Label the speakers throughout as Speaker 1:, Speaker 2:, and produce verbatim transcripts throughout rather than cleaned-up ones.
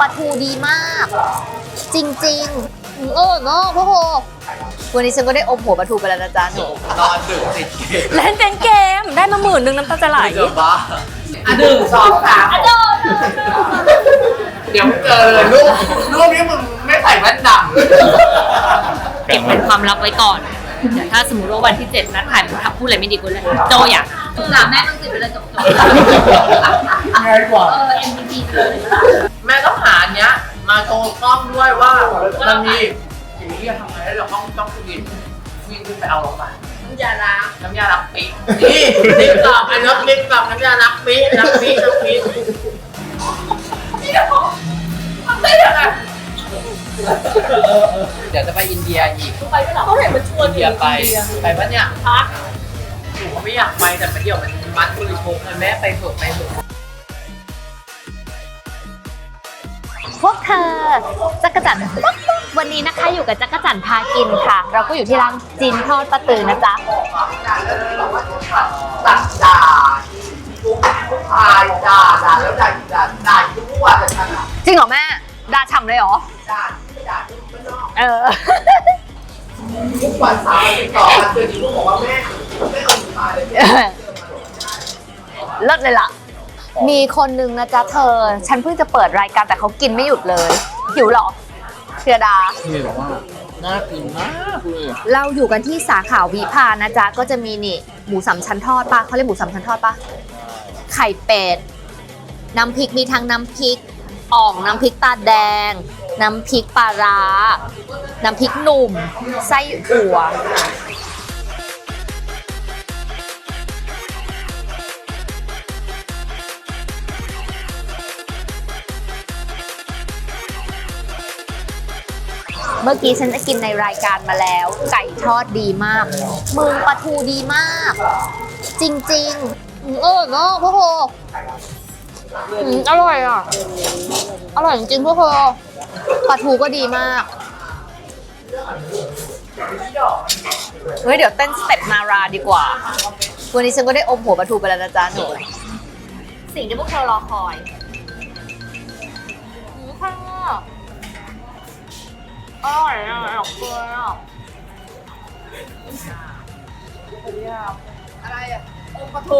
Speaker 1: ลาทูดีมากจริงๆเออเนาะพ่อโหวันนี้ฉันก็ได้อมหัวปลาทูไปแล้วนะจ๊ะหนู
Speaker 2: นอนดึกติดเกม
Speaker 3: เล่นเป็นเกมได้มาหมื่นหนึ่งน้ำตาจะไหล
Speaker 2: เจอบ้าอ่ะหนึ่งสองสามเดี๋ยวเจอเลยลูกลูกนี้มึงไม่ใส่แว่นดำ
Speaker 3: เก็บเป็นความลับไว้ก่อนเดี๋ยวถ้าสมมติว่าวันที่เจ็ดนัดถ่ายมันทับพูดอะไรไม่ดีกูเลยโจอยากถามแม่ต้องติดไปเลยจบ
Speaker 2: ง่ายกว่า
Speaker 3: เออ เอ็ม วี พี เลย
Speaker 2: แม่ต้องหาอันเนี้ยมาโชว์กล้องด้วยว่ามันมีอย่างนี้ทำไงแล้วเราต้องต้องกินวิ่งขึ้นไปเอาลงมาน้ำยาล้างน้ำยาล้างปีนี่ลิปกล่องไอ้น้ำลิปกล่องน้ำยาล้างปีล้างปีล้างปีนี่เดี๋ยวมันไม่ได้อะเดี๋ยวจะไปอินเดียอีก
Speaker 3: ไปไม่หรอเขาเห็นมันชวน
Speaker 2: อินเดียไปไปปะเนี่ยพักหนูไม่อยากไปแต่ไปเดี๋ยวมันมัดบริโภคเลยแม่ไปเถอะไปเถอะ
Speaker 1: พวกเธอจักรจันทร์วันนี้นะคะอยู่กับจักรจันทร์พากินค่ะ เราก็อยู่ที่ร้านจีนทอดป้าตือนะจ๊ะ
Speaker 2: ตัดด่าทุกทุกทายด่าด่าแล้วด่าด่าด่าทุกวันเลยฉันอ่ะ
Speaker 1: จริงเหรอแม่ด่าฉ่ำเลยเหรอ
Speaker 2: ด่าด่าทุกคนนอก
Speaker 1: เออ
Speaker 2: ทุกวันสามสิบสองวันเดือนนี้ลูกบอกว่าแม่ไม่เอาหนูตายเลย
Speaker 1: เลิศเลยล่ะ มีคนนึงนะจ๊ะเธอ ฉันเพิ่งจะเปิดรายการแต่เขากินไม่หยุดเลยหิวเหรอเชียดา
Speaker 2: หิวมากน่ากินมากเลย
Speaker 1: เราอยู่กันที่สาขาวิภานะจ๊ะก็จะมีนี่หมูสามชั้นทอดปะเขาเรียกหมูสามชั้นทอดปะไข่เป็ดน้ำพริกมีทั้งน้ำพริกอ่องน้ำพริกตาแดง น้ำพริกปลาร้าน้ำพริกหนุ่มไส้อั่วเมื่อกี้ฉันจะกินในรายการมาแล้วไก่ทอดดีมากมึงปลาทูดีมาก จริงๆเออเนาะพ่อโหอืมอร่อยอ่ะอร่อยจริงๆพ่อโหปลาทูก็ดีมากเฮ้ยเดี๋ยวเต้นสเต็ปนาราดีกว่าวันนี้ฉันก็ได้อมหัวปลาทูไปแล้วนะจ๊ะหนูสิ่งที่พวกเธอรอคอยหมูข้างนอกอร่อยอ่ะอร่อยเลยอ่ะ
Speaker 2: อะไรอ่ะ
Speaker 3: อมปลาทู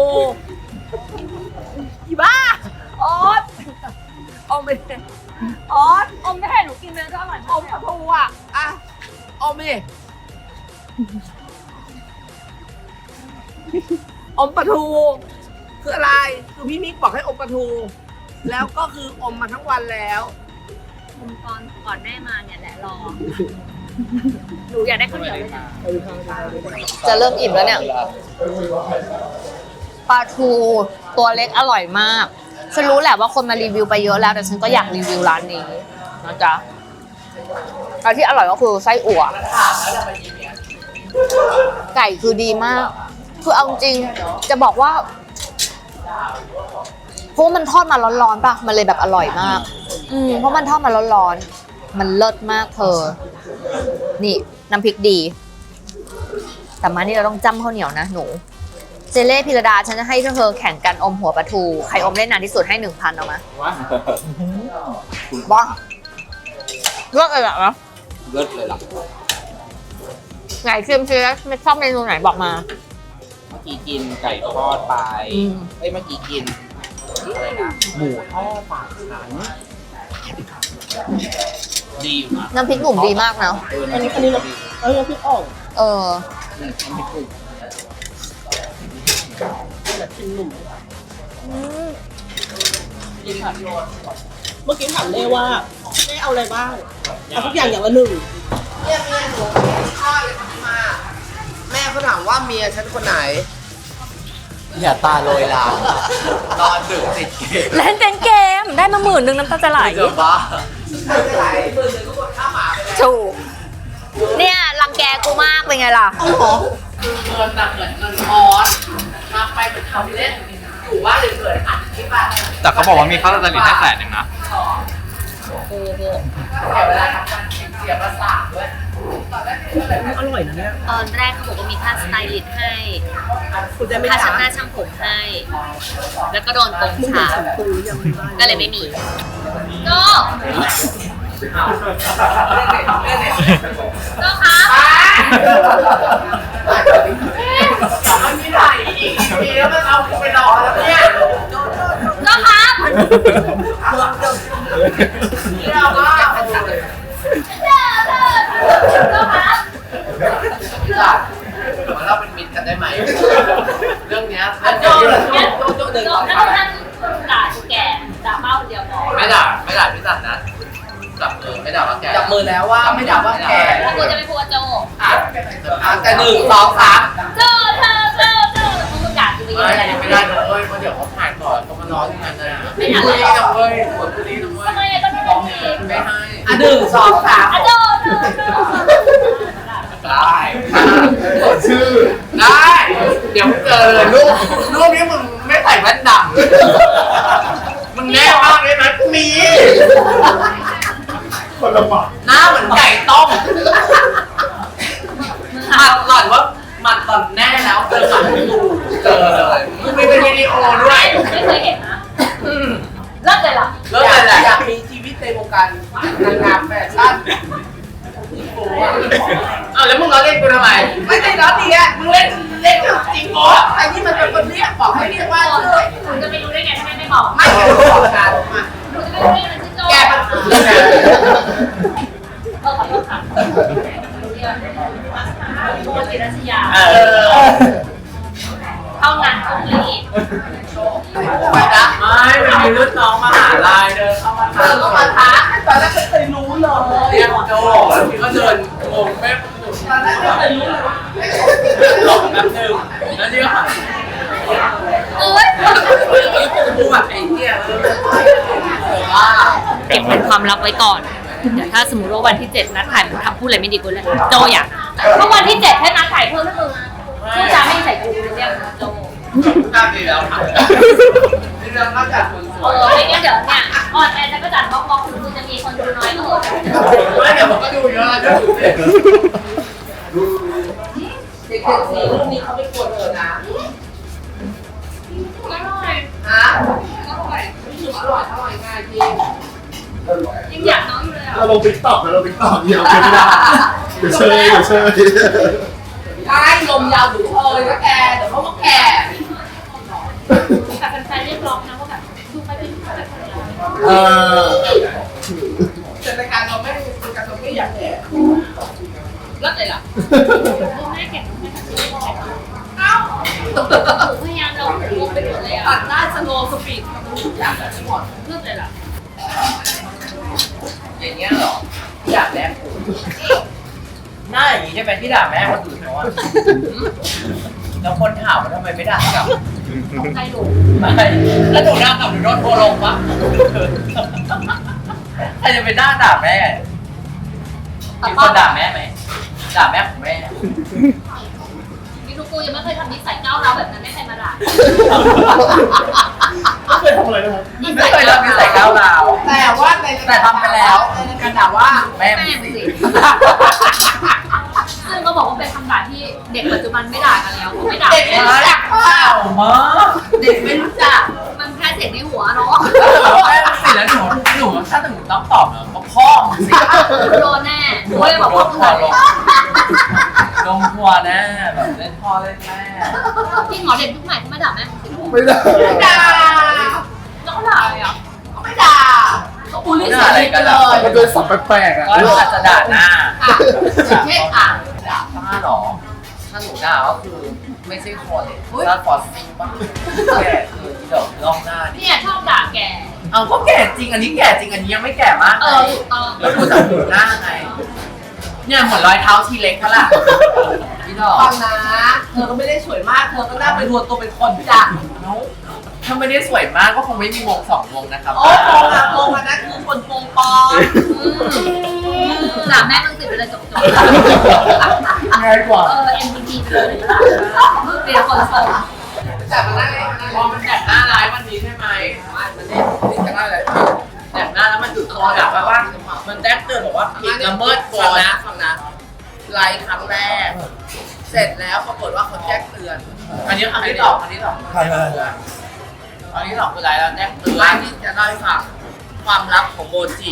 Speaker 3: อีบ้าออสอมไปเลยออสอมไม่ให้หนูกินเลยก็อร่อยอมปลาทูอ่ะ
Speaker 2: อ่ะเอามิ
Speaker 4: อมปลาทูคืออะไรคือพี่มิกบอกให้อมปลาทู แล้วก็คืออมมาทั้งวันแล้ว
Speaker 3: อมตอนก่อนแม่มาเนี่ยแหละรอหนูอยากได้ข้าวเหนียวเลยนะ
Speaker 1: จะเริ่มอิ่มแล้วเนี่ยปลาทูตัวเล็กอร่อยมากฉันรู้แหละว่าคนมารีวิวไปเยอะแล้วแต่ฉันก็อยากรีวิวร้านนี้นะจ๊ะอันที่อร่อยก็คือไส้อั่วไก่คือดีมากคือเอาจริงจะบอกว่าเพราะมันทอดมาร้อนๆป่ะมันเลยแบบอร่อยมากอืมเพราะมันทอดมาร้อนๆมันเลิศมากเธอนี่น้ำพริกดีแต่มานี่เราต้องจ้ำข้าวเหนียวนะหนูเจเล่พิรดาฉันจะให้เธอแข่งกันอมหัวปลาทูใครอมได้นานที่สุดให้หนึ่งพันเอามา
Speaker 2: ว้า
Speaker 1: บ้าเลิศเลยเหรอ
Speaker 2: เลิศเลยล่ะ
Speaker 1: ไหนเชียมเชียไม่ชอบเมนูไหนบอกมา
Speaker 2: เมื่อกี้กินไก่ทอดไป
Speaker 1: อืม
Speaker 2: เอ้ยเมื่อกี้กินอะไรนะหมูทอดปากฉันดีอยู่นะ
Speaker 1: น้ำพริกหนุ่มดีมากนะ
Speaker 2: เอออันนี้อันนี้เราเออพี่อ่อง
Speaker 1: เออ
Speaker 2: อืมน้ำพริกหนุ่ม กินผัดโยน
Speaker 4: เมื่อกี้ถามเล่ว่าเล่เอาอะไรบ้างเอาทุกอย่างอย่างละหนึ่ง
Speaker 2: เนี่ยเมียหนูข้าวเลยมา แม่เขาถามว่าเมียฉันคนไหน อย่าตาโรยลานอนดึกติดเกม
Speaker 3: เล่นเป็นเกมได้มาหมื่นหนึ่งน้ำตาจะไหล
Speaker 2: เจอบ้าไม่เป็นไรหมื่นหนึ่งก็กดค่าหมาไปแล้ว
Speaker 1: ถูกเนี่ยรังแกกูมากเป็นไงล่ะ
Speaker 2: คือเงินน่ะเหมือนเงินออสทำไปเป็นทำเล่นอยู่ว่าเลยเกิดอัดที่บ้าน
Speaker 5: แต่เขาบอกว่ามีค่าสแตนเลสให้แสนหนึ่งนะ
Speaker 2: โอ้โหเสียเวลาทำการเสียประสาทด้วย
Speaker 4: อร่อยนะเนี่ย
Speaker 3: ตอนแรกเขาบอกว่ามีค่าสไตลิสต์ให้
Speaker 4: คุณจะไม่
Speaker 3: ค่า
Speaker 4: ถา
Speaker 3: ช่าง
Speaker 4: ม
Speaker 3: หน้าช่างผมให้ แล้วก็โดนโกง
Speaker 4: มึง
Speaker 3: ฉา
Speaker 4: สั่งปูยังไม่ได้
Speaker 3: ก็เลยไม่มี ก็เจ้าครับ
Speaker 2: มันมีถ่ายอีกทีแล้วมันเอาไปรอแล้วเนี่ย
Speaker 3: เจ้าครับ
Speaker 2: เรื่องมากเลย
Speaker 3: เจ้าครับ
Speaker 2: จัดเราเป็นมิตรกันได้ไหมเรื่องเนี้ย
Speaker 3: โจโจโจโจโจแล้วท่านด่าแก่ด่าเป้าเดียวพอ
Speaker 2: ไม่ด่าไม่ด่าพี่จันนะจับมือไม่ด่าว่าแกจับมือแล้วว่าไม่ด่าว่าแก
Speaker 3: แล้วกูจะไปพูดกับโจ
Speaker 2: อ่ะแต่หนึ่งสองสาม
Speaker 3: โจเธอเธอเธอแล้วมึงด่ากูไปเย
Speaker 2: ไม่
Speaker 3: อะอะไรนะ
Speaker 2: ไม่ได้นะเว้ยเพราะเดี๋ยวเขาถ่ายต่อเขามานอนที่นั่นนะ
Speaker 3: ไม่ทัน
Speaker 2: คุย
Speaker 3: แล้ว
Speaker 2: นะเว้ยหัวคุยนะเว้ย
Speaker 3: ทำไมก็ไม่เป็นเอง
Speaker 2: ไม่ให้อ่ะหนึ่งสองสาม
Speaker 3: โจเธอเธอ
Speaker 2: ได้ชื่อได้เดี๋ยวเจอเลยรูปรูปนี้มึงไม่ใส่แว่นดำมึงแน่มากเลยนะมี
Speaker 6: คนละหมาด
Speaker 2: หน้าเหมือนไก่ต้มหมัดหล่อนว่าหมัดหล่อนแน่แล้วเจอหมัดกูเจอเลยมึงมีเป็นวิดีโอด้วย
Speaker 3: ไม่เคยเห็นนะเลิกเลยเหรอ
Speaker 2: เลิกเลยแหละอยากมีชีวิตในวงการนางงามแฟชั่นอ้าวแล้วมึงล้อเล่นกูทำไมไม่ได้ล้อเลียนมึงเล่นเล่นจริงโอ้ไอ้นี่มันเป็นคนเรียกบอกให้เรียกว่าชื่อ
Speaker 3: คุณจะไม่รู้ได้ไงถ้าไม่บอก
Speaker 2: ไม่เคยบอกกันมา
Speaker 3: คุณจะไม่รู้ได้ไงมันชื่อโจ
Speaker 2: แกมันคือไง
Speaker 3: เออขอโทษค่ะโมจิรัชยา
Speaker 2: เออ
Speaker 3: เท่านั้นตรงนี้
Speaker 2: ไปนะไม่มันมีรุ่นน้องมหาลัยเดินเข้ามาถามเข้ามาทักตอนแรกไม่เคยรู้เลยเรียกโจแล้วพี่ก็เดินงงแม่ตอนแรกไม่เคยรู้เลยหลอกแป๊บนึงแล้วนี่ก็หัน
Speaker 3: เอ้ย
Speaker 2: พูดแบบไอ้เหี้ยเออว่า
Speaker 3: เก็บเป็นความลับไว้ก่อน เดี๋ยวถ้าสมมติว่าวันที่เจ็ดนัดถ่ายมันทำพูดอะไรไม่ดีกูเลยโจอยากเพราะวันที่เจ็ดแค่นัดถ่ายเพิ่มให้มึงพูดจาไม่ใส่กูเรียกโจ
Speaker 2: กล้าดีแล้วค่ะนี่เรื่องนอกจากคนส
Speaker 3: เอ
Speaker 2: วย
Speaker 3: อไม่งั้นเดี๋ยวเนี่ยออนแอร์จะก็จัดบล็อกบล็อกถึงมึงจะมีคนดูน้อยก็เหอะ
Speaker 2: ไม่เดี๋ยวผมก็ดูเยอะแล้วดูเด็กเด็กๆสีรุ่นนี้เขาไม่กลัวเธอนะ
Speaker 3: อร่อย
Speaker 2: ฮะ
Speaker 3: อร่อย
Speaker 2: อร่อยอร่อยง่ายจริง
Speaker 3: ยังอยากน้องอยู่เลยอ่ะ
Speaker 6: เราลงติ๊กต็อกนะเราติ๊กต็อกเดียวเกินไม่ได้เดี๋ยวเชยเดี๋ยวเชย
Speaker 2: ใช่ลมยาวดูเธอเลยนะแกเดี๋ยวเขาก็แก่
Speaker 3: แต่แฟนๆเรียกร้องนะว่าแบบดูไปเป็นแบบ
Speaker 6: เออ
Speaker 2: แต่รายการเราไม่รายการเราไม่อยากแก่
Speaker 3: เลิกเลยเหรอดูแม่แก่แม่แก่เอ้าพยายามเราหูไปหมดเลยอ่ะ
Speaker 2: ตัดได้สโลว์สปีดทุกอย่างแบบนี้หมด
Speaker 3: เลิกเลยเหรอ
Speaker 2: อย่างเงี้ยเหรออยากแม่กูหน้าอย่างนี้ใช่ไหมที่ด่าแม่คนอื่นเขาอะแล้วคนถามว่าทำไมไม่ด่ากลับ
Speaker 3: ใครหลง
Speaker 2: ไม่แล้วหนูด่ากลับหนูโดนโทรลงปะใครจะไปด่าด่าแม่มีคนด่าแม่ไหมด่าแม่ของแม่
Speaker 3: นี่ทุกกูยังไม่เคยทำนิสัยก้าวร้าวแบบนั้นไม่ใครมาด่า
Speaker 6: ไม่เคยทำอะไรนะครับ
Speaker 2: ไม่เคยทำนิสัยก้าวร้าวแต่ว่าในแต่ทำไปแล้วในการด่าว่าแม่
Speaker 3: แม่
Speaker 2: มึง
Speaker 3: มึง
Speaker 2: สิ
Speaker 3: สิซึ่งก็บอกว่าเป็นคำด่าที่เด็กปัจจุบันไม่ด่ากันแล้วเขาไม่ด่า
Speaker 2: เด็กไม่รู้จักเปล่ามะเด็กไม่รู้จัก
Speaker 3: มันแค่เสียงในหัวเนาะ
Speaker 2: แม่มึงสิแล้วหนูหนูถ้าหนูต้องตอบเนอะก็พ่อมึงสิ
Speaker 3: โดนแน่หนูเลยบอกพ่อมึง
Speaker 2: ล
Speaker 3: เลย
Speaker 2: งลงทัวร์แน่แบบเล่นพ่อเล่นแม่
Speaker 3: จริงเหรอเด็กยุคใหม่เขาไม่ด่าแม่มึงสิ
Speaker 6: ไม่ได้
Speaker 2: ด่า
Speaker 3: แล้วเขาด่าอะไรอ่ะ
Speaker 2: ก็ไม่ด่าก็บูลลี่เสียงไปเลย
Speaker 6: มันเป็นสับแปลกๆอ่ะ
Speaker 2: ก็อาจจะด่าหน้าเช่นอ่ะด่าป้าหรอ ถ้าหนูด่าก็คือไม่ใช่คนถ้าฟอสซิงป่ะแก่คือเดี๋ยวลองหน้าดิ
Speaker 3: เนี่ยชอบด่าแก
Speaker 2: เอาก็แก่จริง อันนี้แก่จริง อันนี้ยังไม่แก่มาก
Speaker 3: เออถูกต้อง
Speaker 2: แล้วดูจากหูหน้าไง เนี่ยเหมือนรอยเท้าทีเล็กเขาล่ะพี่ดอก
Speaker 4: ฟังนะ เธอก็ไม่ได้สวยมาก เธอก็น่าไปรวมตัวเป็นคนจ้ะ
Speaker 2: ถ้าไม่ได้สวยมากก็คงไม่มีวงสองวงนะครับ
Speaker 4: โอ้โหอะโมงอันนั้นคือคนโปงปอง
Speaker 3: ด่าแม่มึงสิไปเลยจบจบ
Speaker 6: ง่ายกว่า
Speaker 3: เออ เอ็ม วี พี ไปเลยเปลี่ยนคนส่ง
Speaker 2: แต่มันได้พอมันแดกหน้าร้ายวันนี้ใช่ไหมมันได้ติดกันได้เลยแดกหน้าแล้วมันจุดคอแบบว่า มันแจ้งเตือนบอกว่าผิดละเมิดกฎนะฟังนะไลน์ครั้งแรก เสร็จแล้วปรากฏว่าเขาแจ้งเตือน อันนี้อันที่สองอันที่สอง
Speaker 6: ใช่ใช่
Speaker 2: อันที่สองคือไลน์แล้วแจ้งเตือนที่จะเล่าให้ฟังความลับของโมจิ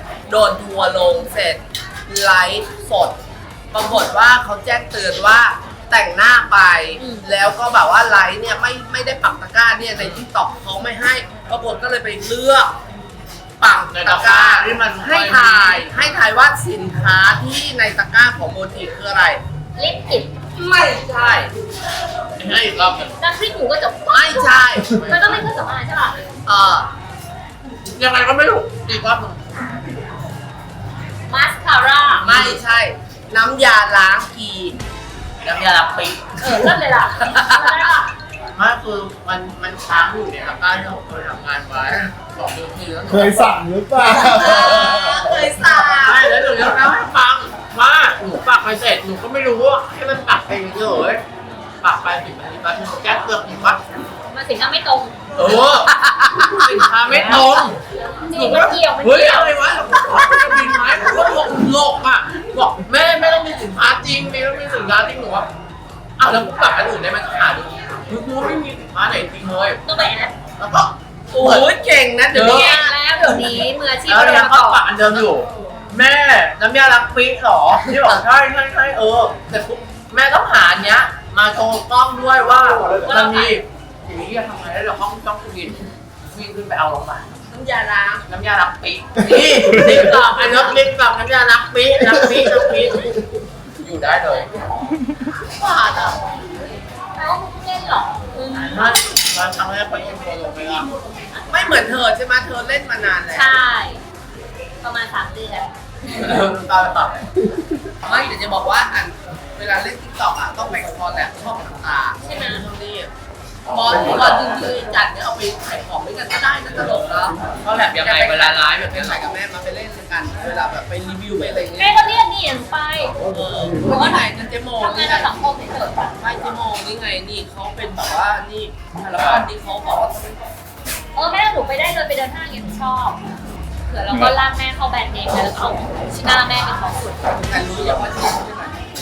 Speaker 4: โดนทัวร์ลงเสร็จไลฟ์สดปรากฏว่าเขาแจ้งเตือนว่าแต่งหน้าไป แล้วก็แบบว่าไลฟ์เนี่ยไม่ไม่ได้ปักตะกร้าเนี่ยในที่ตอกเขาไม่ให้ปรากฏก็เลยไปเลือกปักตะกร้าที่มันให้ถ่ายให้ถ่ายว่าสินค้าที่ในตะกร้าของโมทีคืออะไร
Speaker 3: ลิปติด
Speaker 4: ไม่ใช่
Speaker 2: ให้อีกรอบหนึ่ง
Speaker 3: น้ำพริกหมูก็จะ
Speaker 4: ไม่ใช่
Speaker 3: มันก็ไม่เครื่องสำอางใช่ป่ะ
Speaker 4: เออ
Speaker 2: ยังไงก็ไม่รู้อีกรอบหนึ่ง
Speaker 3: มาสคาร่า
Speaker 4: ไม่ใช่ น้ำยาล้างกี
Speaker 2: น้ำยาล้างปี
Speaker 3: เออเริ่มเลยล่ะได้ป่ะ
Speaker 2: ไม่คือมันมันค้างอยู่ในตะกร้าที่ผมเคยทำงานไว้สองเดือนที่แล้ว
Speaker 6: เคยสั่งหรือเปล่า
Speaker 4: เคยสั่ง
Speaker 2: ใช่แล้วหนูจะเล่าให้ฟังว่าหนูปักไปเสร็จหนูก็ไม่รู้ว่าให้มันปักไปเฉยๆปักไปสิบนาทีแป๊บนึงแก๊สเปลือกอีกว่า
Speaker 3: มาสินค้าไม่ตรง
Speaker 2: เออสินค้าไม่ตรง
Speaker 3: จริงมันเกี่ยวมัน
Speaker 2: เฮ้ย
Speaker 3: เกี่ยว
Speaker 2: อะไรวะจะบินไหมผมก็หลกหลกอ่ะบอกแม่ไม่ต้องมีสินค้าจริงไม่ต้องมีสินค้าจริงหนูว่าอ้าวแล้วกูปักอันอื่นได้ไหมหาดูคือกูไม่มีสินค้าไหนจริงเลย
Speaker 3: ต้องไปแอด
Speaker 2: แล้วก็
Speaker 4: โอ้ยเก่งนะเดี๋ยวนี้
Speaker 3: เก่งแล้วเดี๋ยวนี้มืออาชีพ
Speaker 2: แล้ว
Speaker 3: เดิ
Speaker 2: เนี่ย
Speaker 3: น
Speaker 2: ก็
Speaker 3: ก่อ
Speaker 2: ปัก
Speaker 3: น
Speaker 2: อันเดิมอยู่ แม่น้ำยาล้างปีหรอที่บอกใช่ใช่ใช่เออแต่ปุ๊บแม่ต้องหาอันเนี้ยมาโชว์กล้องด้วยว่ามันมีอย่างนี้ทำไงแล้วเดี๋ยวห้องต้องวิ่งวิ่งขึ้นไปเอาลงมา
Speaker 4: น้ำยาล้าง
Speaker 2: น้ำยาล้างปีนี่ติ๊กตอกไอ้นกติ๊กตอกน้ำยาล้างปีล้างปีล้างปีอยู่ได้เลย
Speaker 4: ว่าอ่ะ
Speaker 3: แล้วมึงเล่นเหรออืม
Speaker 2: มันมันทำให้คนยังโกงไปละ
Speaker 4: ไม่เหมือนเธอใช่ไหมเธอเล่นมานานแล้ว
Speaker 3: ใช่ ประมาณสามเดือน
Speaker 2: เริ่มตาตัด
Speaker 4: ไม่เดี๋ยวจะบอกว่าอันเวลาเล่นติ๊กต็อกอ่ะต้องแบ่งคอแลบช่องต่างๆ
Speaker 3: ใช่ไหม
Speaker 4: ตรงนี้บอลบอลจริงๆจัดเนี่ยเอาไปขายของด้วยกันก็ได้นะตลกแล้ว
Speaker 2: ก็แบบยังไงเวลาไลฟ์แบบ
Speaker 4: ไป
Speaker 2: นี้
Speaker 4: ขายกับแม่มาไปเล่นกันเวลาแบบไปรีวิวไปอะไร
Speaker 3: แม่
Speaker 4: เงี้ย
Speaker 3: ก็เรียกนี่อย่างไป
Speaker 4: เออหนูก็ไหนนะเจโม
Speaker 3: ทำงา
Speaker 4: นี่
Speaker 3: น
Speaker 4: ไง
Speaker 3: ในสังคมเฉยๆ
Speaker 4: ไม่เจโมนี่ไงนี่เขาเป็นแบบว่านี่คาราบานที่เขาบอกว่า
Speaker 3: เออแม่หนูไปได้เลยไปเดินห้างอย่างหนูชอบเผื่อเราก็ลากแม่เข้าแบรนด์เนมแล้วเอาชิหน้าแม่เป็นของสุด
Speaker 4: แต่รู้ยังว่าชื่อใช่ไหม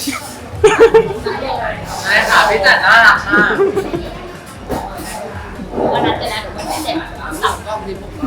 Speaker 2: นายขาพี่จัดน่ารักมาก
Speaker 3: วันนั้นเลยนะหนูวันที่เจ็ด
Speaker 4: สั่งกล้องที่พวกเรา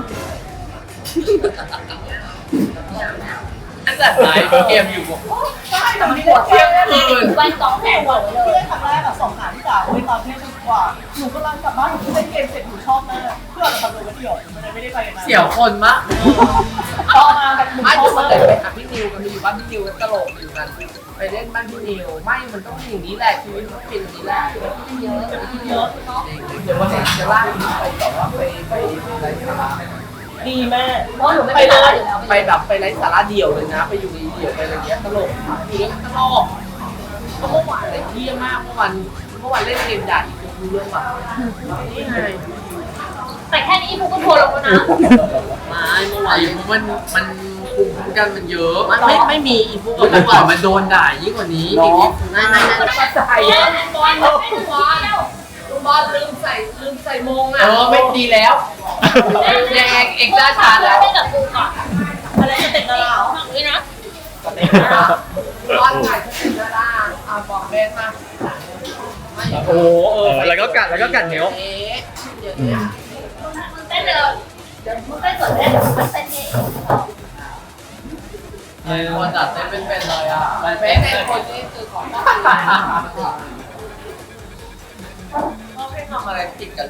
Speaker 2: อันจัดไลฟ์เกมอยู่บอก
Speaker 3: ใช่แต่มันปวดเที่ยงคืนวันสองแสนกว่าเลย
Speaker 7: เล่นครั้งแรกอะสองหาที่สามในตอนเที่ยงคืนกว่า หนูกำลังกลับบ้านหนูเล่นเกมเสร็จหนูชอบมากเพื่อนขับรถมาเที่ยวมันเลยไม่ได้ไปกันนะ
Speaker 2: เสี่ยวคนมาก
Speaker 7: พอมาแบบหนู
Speaker 4: ไม่
Speaker 7: ชอ
Speaker 4: ถู
Speaker 7: บ
Speaker 4: ก
Speaker 7: มา
Speaker 4: มาก แต่ไปหาพี่นิวกันไปอยู่บ้านพี่นิวกันตลกอยู่กันไปเล่นบ้านพี่นิวไม่มันต้องเป็นอย่างนี้แหละชีวิตมันเป็นอย่างนี้แหละ
Speaker 3: เยอะเยอะเนาะ
Speaker 4: เดี๋ยววันนี้จะลากพี่ไปแบบว่าไปไปอะไรสาระ
Speaker 7: ดีแม่
Speaker 3: เพราะหนูไม่ไปตลาดอยู่แล้ว
Speaker 4: ไปแบบไปไร้สาระเดี่ยวเลยนะ ไปอยู่ในเดี่ยวไปอะไรเงี้ยตลกอยู่แล้วตลกก็เมื่อวานอะไรเที่ยมากเมื่อวันเมื่อวันเล่นเกมใหญ่ดูเรื่องแบบนี่ไง
Speaker 3: แต่แค่นี้กูก็ทัวร์ลงแล้วนะ
Speaker 4: ไม่เมื่อวาน
Speaker 2: ไอ้พวกมันมันภูมิคุ้มกันมันเยอะ
Speaker 4: มันไม่ไม่มีอีพวก
Speaker 2: แต่ก่อนมันโดนด่ายิ่งกว่านี้อีกนิด
Speaker 4: ไม่ไม่ไม่
Speaker 3: ไม่ใส่บอลไม่ถึงบอล
Speaker 4: ลูกบอลลืมใส่ลืมใส่มง
Speaker 2: เอ
Speaker 4: อ่ะ
Speaker 2: อไม่ดีแล้วแดงเอกด้าชาแล้ว
Speaker 3: ไม่กับกูก่อน
Speaker 7: อะไรจะติดกับเรา
Speaker 3: ฝั่งนี้นะ
Speaker 4: บอลถ่ายสติกด้าอ่าบอกเบนมา
Speaker 5: โอ้เออแล้วก็กัดแล้วก็กัดเหนียว
Speaker 4: เอ๊ะเดี๋ยวนี้
Speaker 3: มึงเต้นเลยเดี๋ยวมึงเต้นสดเต้นมึงเต้นเอง
Speaker 2: คนจัดเต้นเป็นๆเลยอ่ะมัน
Speaker 4: เบ
Speaker 2: เป็น
Speaker 4: น
Speaker 2: เล
Speaker 4: เป็น
Speaker 2: ย
Speaker 4: คนที่คือของบ้านเขาไม่ทำอะไรติดกันเลย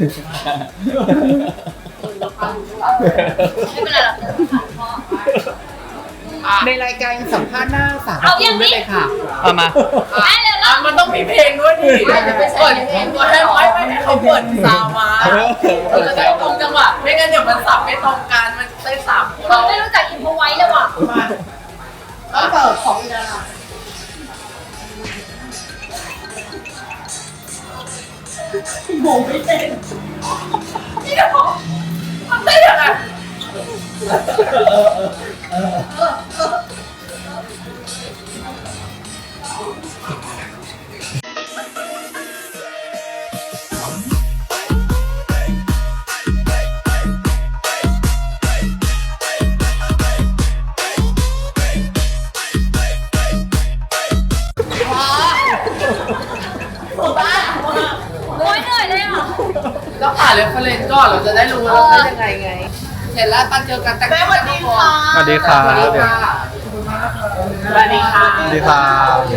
Speaker 3: ไม่เป็นไรหรอกเดี๋ยวผ่านพ่อ
Speaker 4: ในรายการสัมภาษณ์หน้าสาม
Speaker 3: เอาอย่างนี้
Speaker 4: ไม่เลยค่ะ
Speaker 5: เอามา
Speaker 3: แม่เร็วแล้ว
Speaker 2: มันต้องมีเพลงด้วยดิเปิดเพลงด้วยให้ไม่ไม่ให้เขาเปิดซาวมาเราจะได้ตรงจังหวะไม่งั้นเดี๋ยวมันสับไม่ตรงกันมันเต้นสามคน
Speaker 3: มึงไม่รู้จักอินโฟไว้เลยว่ะ
Speaker 7: ต้องเปิดของอีกแล้ว โมไม่เต้น
Speaker 2: นี่เดี๋ยวมันเต้นยังไง
Speaker 3: โอ้ยเหนื่อยเลยอ่ะ
Speaker 2: ต้องผ่านเรฟเฟรนซ์ก่อนเราจะได้รู้ว่าเราเต้นยังไงไง
Speaker 4: เสร็จแล้วตั้งเจอกันแต่ง
Speaker 7: แม่สวัสดีค่ะ
Speaker 5: สวัสดีครับ
Speaker 4: สวัสดีค่ะ
Speaker 2: สวัสดีค่ะ
Speaker 5: สวัสดีครับ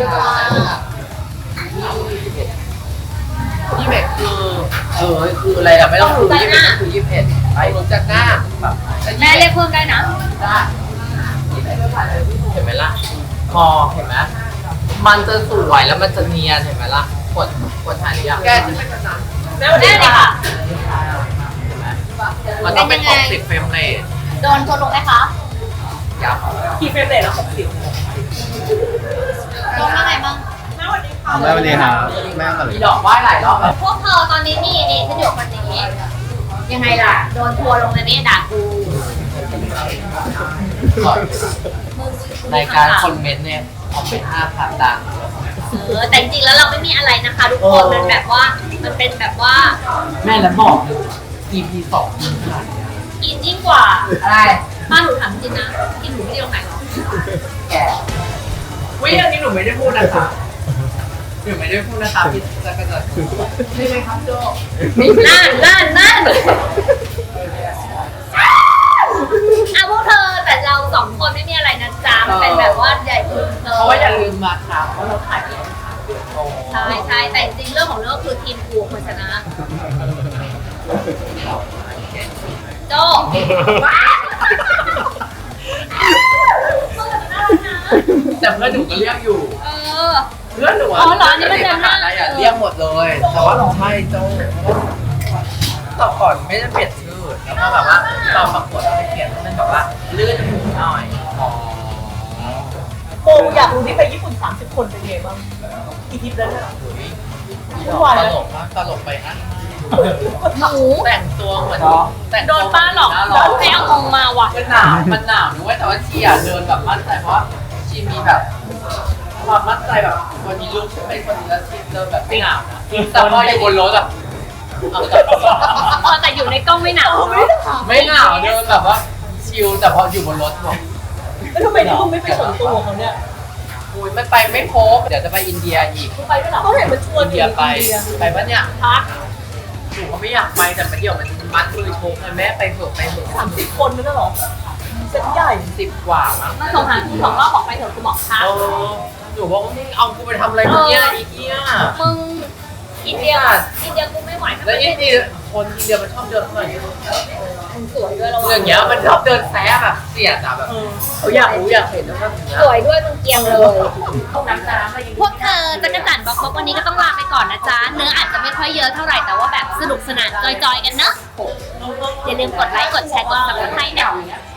Speaker 2: ยี่สิบเอ็ดคือเออคืออะไรอะไม่ต้องคือยี่สิบเอ็ดคือยี่สิบเอ็ดไป
Speaker 4: หนูจัดหน้า
Speaker 2: แบบจะ
Speaker 3: แม่เรียกเพิ่มได้นะ
Speaker 2: ได้เห็นไหมล่ะพอเห็นไหมมันจะสวยแล้วมันจะเนียนเห็นไหมล่ะกดกดถ่ายหรือยัง
Speaker 4: แกจะเป็นแบบนั้น
Speaker 7: แม่สวัส
Speaker 3: แม่
Speaker 7: ดี
Speaker 3: เลย
Speaker 7: ค่ะ
Speaker 3: ค่ะ
Speaker 2: มันต้องเป็นหกสิบเฟรมเรท
Speaker 3: โดนชนลงไหมคะ
Speaker 2: ยับ
Speaker 7: กี่เฟรมเรทแล้วหกสิบ
Speaker 3: โดนยังไงบ้าง
Speaker 7: แม่สวัสดีค่ะ
Speaker 5: แม่สวัสดีครับแม่สวัส
Speaker 2: มี
Speaker 5: ดี
Speaker 2: ดอกไหว้หลายรอบแล้ว
Speaker 3: พวกเธอตอนนี้นี่นี่ฉันอยู่คนนี้ยังไงล่ะ โดนทัวร์ลงเลยนี่ด่ากู
Speaker 2: ก่อนในการคอมเมนต์เนี่ยคอมเมนต์ห้าพันดัง
Speaker 3: เออแต่จริงๆแล้วเราไม่มีอะไรนะคะทุกคนมันแบบว่ามันเป็นแบบว่า
Speaker 2: แม่แล้วบอกเลย อี พี สองมีขนาด
Speaker 3: อินยิ่งกว่า
Speaker 2: อะไร
Speaker 3: บ้านหนูถามจริงนะกินหนูไม่ได้ตรงไหนหรอก
Speaker 2: แกวิอันนี้หนูไม่ได้พูดนะคะหนูไม่ได้พูดนะคะพี่จักรจันทร์ใช่ไหมครับโจ
Speaker 3: นั่นนั่นนั่นอ่ะพวกเธอแต่เราสองคนไม่มีอะไรนะจ๊ะมันเป็นแบบว่าใหญ่คุณเธอ
Speaker 2: เพราะว่าอย่าลืมมาค่ะเพราะเราถ่ายเองค่ะเดือนโต
Speaker 3: ใช่ใช่แต่จริงๆเรื่องของเรื่องคือทีมกูควรชนะโจ้ว้า
Speaker 2: แต่เพื่อนหนูก็เรียกอยู่
Speaker 3: เออ
Speaker 2: เพื่อนหนู
Speaker 3: อ๋อเหรออันนี้มันจำได้
Speaker 2: อะไรอ่ะเรียกหมดเลย แต่ว่าใช่โจต่อก่อนไม่ได้เปลี่ยนชื่อแล้วก็แบบว่าตอนประกวดเราไปเปลี่ยนให้มันแบบว่าลื่นหูหน่อยอ๋อ
Speaker 7: โมอยากรู้ที่ไปญี่ปุ่นสามสิบคนเป็นไงบ้างกี่ทริปแล้วเนี่ย
Speaker 2: ตลกมากตลกไปนะ
Speaker 3: หนู
Speaker 2: แต่งตัวเหมือนแต่ง
Speaker 3: โดนป้าหลอก
Speaker 2: น้
Speaker 3: โดนให้เอางงมาว่ะ
Speaker 2: มันหนาวมันหนาวด้วยแต่ว่าชีอ่ะเดินแบบมั่นใจเพราะว่าชีมีแบบความมั่นใจแบบวันนี้ลุกฉันเป็นคนนี้แล้วชีเดินแบบไม่หนาวนะแต่พออยู่บนรถแบบเอาแต่
Speaker 3: เออแต่อยู่ในกล้องไม่หนาว
Speaker 2: ไม่หนาวเดินแบบว่าชิลแต่พออยู่บนรถบอก
Speaker 7: แล้วทำไมที่มึงไม่ไปส่วนตัวเขาเนี่ย
Speaker 2: อุ้ยไม่ไปไม่พบเดี๋ยวจะไปอินเดียอีก
Speaker 7: มึงไปไม่หรอเขาเห็นมันชวน
Speaker 2: อินเดียไปไปปะเนี่ย
Speaker 3: พัก
Speaker 2: หนูก็ไม่อยากไปแต่มาเดี๋ยวมันมัดมือโชกเลยแม่ไปเถอะไปเถอะ
Speaker 7: สามสิบคนนั่นเหรอเซ็ตใหญ่
Speaker 2: สิบกว่ามั้ง
Speaker 3: มาส่งหาคุณสองรอบบอกไปเถอะกูบอกพัก
Speaker 2: เออหนูบอกว่ามึงเอากูไปทำอะไรเนี่ยอีเกี้ย
Speaker 3: มึงอินเดียอินเดียกูไม่ไหวถ้า
Speaker 2: แล้ว
Speaker 3: ไม่
Speaker 2: อิน
Speaker 3: ได้
Speaker 2: เดียคนอินเดียมันชอบเดินหน่อย
Speaker 3: มึงสวยด้วยเรา
Speaker 2: อย่างเงี้ยมันชอบเดินแซะแบบเสียดอะแบบเขาอยากรู้อยากเห็นแล้วแบบเนี้ย
Speaker 3: สวยด้วยมึงเกรียงเลยน้ำน้ำพวกเธอจักรจันทร์บอกว่าวันนี้ก็ต้องลาไปก่อนนะจ๊ะเนื้ออาจจะไม่ค่อยเยอะเท่าไหร่แต่ว่าแบบสนุกสนานจอยๆกันเนอะอย่าลืมกดไลค์กดแชร์กดซับสไครต์เนี่ย